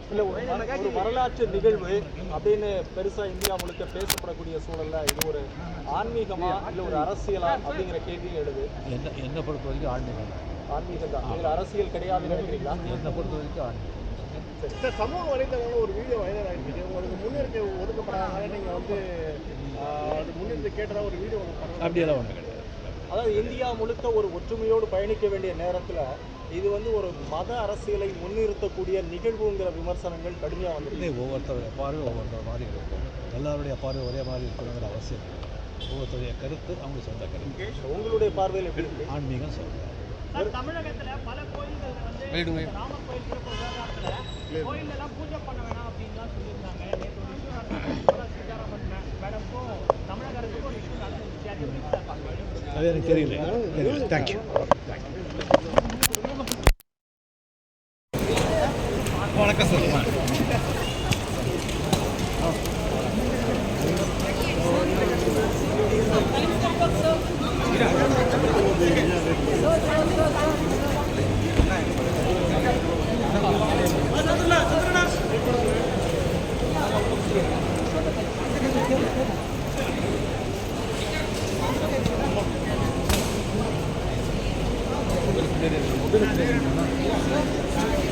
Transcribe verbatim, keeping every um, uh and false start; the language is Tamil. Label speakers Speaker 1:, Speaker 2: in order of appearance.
Speaker 1: இல்லை ஒரு வரலாற்று நிகழ்வு அப்படின்னு பெருசாக இந்தியா முழுக்க பேசப்படக்கூடிய சூழல்ல இது ஒரு ஆன்மீகமா இல்லை ஒரு அரசியலா அப்படிங்கிற கேள்வியும் எழுது.
Speaker 2: என்ன என்னை பொறுத்த வரைக்கும் ஆன்மீகம்
Speaker 1: ஆன்மீகம் தான். இதில் அரசியல் கிடையாதுன்னு நினைக்கிறீங்களா?
Speaker 2: என்னை பொறுத்த வரைக்கும் ஆன்மீகம்.
Speaker 3: சார், சமூக வலைதளங்களில் ஒரு வீடியோ வைரல் ஆகிருக்கு. உங்களுக்கு முன்னிறுத்தி ஒதுக்கப்படாதனால நீங்கள் வந்து அது முன்னிறுத்தி கேட்டதா ஒரு வீடியோ
Speaker 2: அப்படியெல்லாம் ஒன்றும் கிடையாது.
Speaker 1: அதாவது இந்தியா முழுக்க ஒரு ஒற்றுமையோடு பயணிக்க வேண்டிய நேரத்தில் இது வந்து ஒரு மத அரசியலை முன்னிறுத்தக்கூடிய நிகழ்வுங்கிற விமர்சனங்கள் கடுமையாக வந்து
Speaker 2: ஒவ்வொருத்தருடைய பார்வை ஒவ்வொருத்தர் மாதிரி இருக்கும். எல்லாருடைய பார்வை ஒரே மாதிரி இருக்கணுங்கிற அவசியம் இல்லை. ஒவ்வொருத்தருடைய கருத்து அவங்க சொந்த கருத்து.
Speaker 1: உங்களுடைய பார்வையில் எப்படி இருக்கு?
Speaker 2: ஆன்மீகம் சொல்கிறேன்.
Speaker 4: தமிழகத்தில் பல கோயில்கள் வந்து ராமர் கோயில் சிறப்பு விவகாரத்தில் கோயிலெல்லாம் பூஜை பண்ண வேணாம் அப்படின்லாம் சொல்லியிருந்தாங்க. நேற்று ஒரு இஷ்யூ சீதாராமன் மேடமுக்கும் தமிழக அரசுக்கும் ஒரு இஷ்யூ நடந்துச்சு.
Speaker 2: அது எனக்கு தெரியல. தேங்க்யூ. வணக்கம் சார். Gracias.